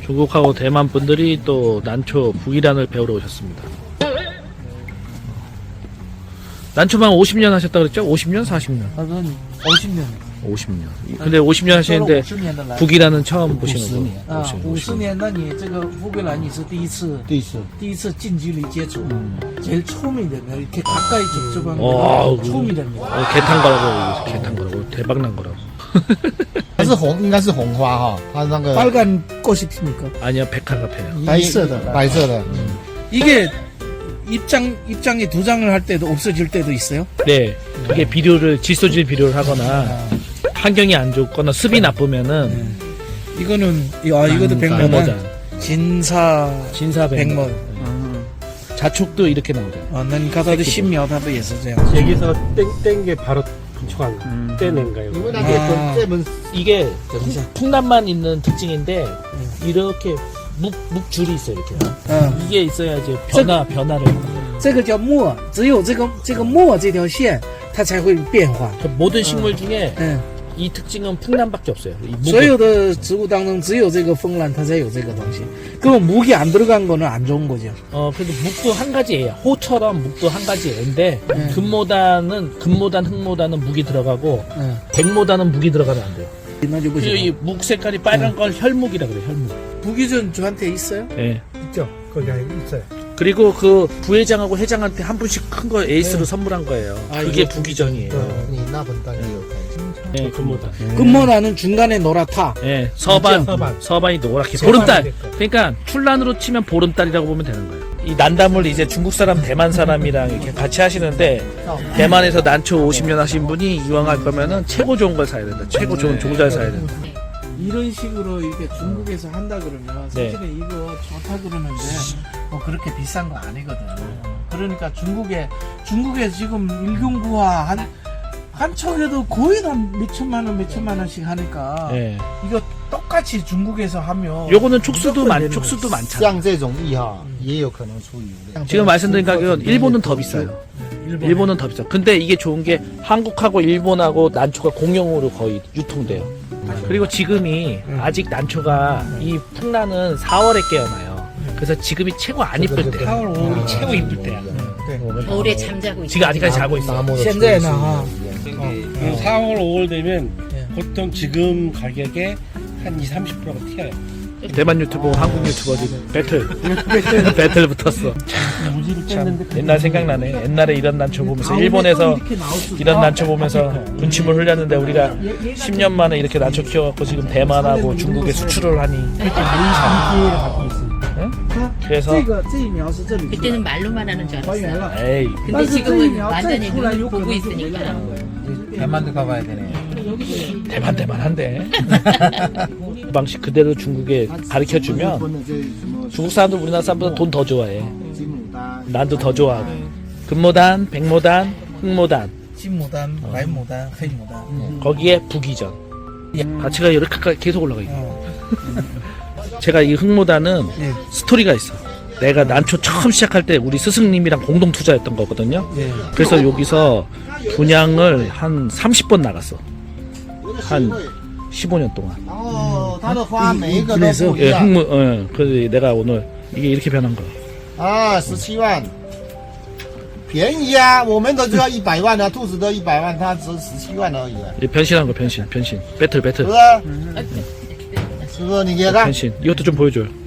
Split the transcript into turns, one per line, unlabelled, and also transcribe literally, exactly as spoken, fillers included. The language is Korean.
중국하고 대만 분들이 또 난초 북이란을 배우러 오셨습니다. 난초만 오십 년 하셨다 그랬죠? 오십 년? 사십 년?
그건 오십 년.
오십 년. 근데 오십 년 하시는데 북이란은 처음 보시는 거.
啊，五十年，那你这个乌克兰你是第一次，
第一次，
第一次近距离接触， 제일 처음이잖아요. 이렇게 가까이 접촉한
와,
게 처음이랍니다.
어, 개탄 거라고, 개탄 거라고, 대박 난 거라고.
它是红，应该是红花哈，它那个
빨간 꽃이 핍니까?
아니야, 백화가 펴요.
白色的，白色的，
이게 입장 입장이 두 장을 할 때도 없어질 때도 있어요.
네. 이게 비료를, 질소질 비료를 하거나, 환경이 안 좋거나 습이 나쁘면은,
이거는 아 이것도 백모단,
백모단.
진사
진사 백모.
백모.
자촉도 이렇게 나오잖아요.
아, 난 가다도 신묘하다 예서져요.
여기서 땡, 땡 게 바로 분촉한 거.
음.
떼낸 거예요.
因为那个
啊
这本
이게 풍란만 있는 특징인데, 이렇게 묵, 묵줄이 있어요, 이렇게.
아,
이게 있어야지 변화, 변화를.
这个叫墨，只有这个这个墨这条线，它才会变化。
모든 식물 중에
嗯，
이 특징은 풍란밖에 없어요. 이 묵은.
所有的植物当中，只有这个风兰它才有这个东西。 그러면 묵이 안 들어간 거는 안 좋은 거죠.
어, 그래도 묵도 한 가지 애야. 호처럼 묵도 한 가지 애인데,
네.
금모단은, 금모단, 흑모단은 묵이 들어가고,
응.
백모단은 묵이 들어가면 안 돼요.
나좀
그리고
보시고.
이 묵 색깔이 빨간 걸 혈묵이라 그래요, 혈묵.
부기전 저한테 있어요?
예.
있죠? 거기 있어요.
그리고 그 부회장하고 회장한테 한 분씩 큰 거 에이스로 선물한 거예요.
아,
그게
이거
부기전이에요.
你那本单也有看。
예, 금모단.
금모나는 중간에 노랗다.
예, 서반,
서반.
서반이 노랗게.
서반이
보름달.
될 거예요.
그러니까 출란으로 치면 보름달이라고 보면 되는 거예요. 이 난담을 이제 중국 사람, 대만 사람이랑 이렇게 같이 하시는데, 대만에서 난초 오십 년 하신 분이 이왕 할 거면은 최고 좋은 걸 사야 된다. 최고 좋은 종자를 사야 된다.
이런 식으로 이렇게 중국에서 한다 그러면
네.
사실은 이거 좋다 그러는데 뭐 그렇게 비싼 거 아니거든. 그러니까 중국에 중국에 지금 일경구화 한 한 척에도 거의 다 몇천만 원, 몇천만 원씩 하니까
예.
이거 똑같이 중국에서 하면
요거는 촉수도
무조건
많,
되는
촉수도 많잖아.
像这种艺哈，也有可能出油的。
지금 말씀드린 가격은 일본은 더 비싸요.
일본에.
일본은 더 비싸. 근데 이게 좋은 게 한국하고 일본하고 난초가 공용으로 거의 유통돼요. 그리고 지금이 아직 난초가 이 풍란은 사월에 깨어나요. 그래서 지금이 최고 안 이쁠 때.
사월, 오월.
최고 이쁠 때야.
겨울에 잠자고 있어.
지금 아직까지 자고 있어.
拿摸的
현재는 하.
그 사월, 오월 되면
예.
보통 지금 가격에 한 이십, 삼십 퍼센트가 튀어요.
대만 유튜버, 한국 유튜버 지금 배틀. 배틀 붙었어. 참 옛날 생각나네. 옛날에 이런 난초 보면서 일본에서 이런 난초 보면서 군침을 흘렸는데 우리가 십 년 만에 이렇게 난초 키워갖고 지금 대만하고 중국에 수출을 하니. 응? 그래서
这个这一苗是这里
그때는 말로만 하는 줄
还原
알았어요.
了。
에이
근데 지금은 완전히 눈을 보고 있으니까.
대만도 가봐야 되네.
대만 대만한데. 그 방식 그대로 중국에 가르쳐주면 중국 사람들 우리나라 사람보다 돈 더 좋아해. 난도 더 좋아하고. 금모단, 백모단, 흑모단.
진모단, 말모단,黑모단.
거기에 북이전. 가치가 이렇게 계속 올라가 있고.
어.
제가 이 흑모단은
예.
스토리가 있어. 내가 난초 처음 시작할 때 우리 스승님이랑 공동 투자했던 거거든요.
예.
그래서 여기서 분양을 한 삼십 번 나갔어. 한 십오 년 동안.
然后它的花每一个都不一
예,
样
흑모, 어, 그래서 내가 오늘 이게 이렇게 변한 거야.
啊，十七万，便宜啊！我们的就要一百万啊，兔子都一百万，它只十七万而已啊，
이 변신한 거 변신, 변신. 배틀,
是
배틀.
不是？是不是？你给看。
변신. 이것도 좀 보여줘요.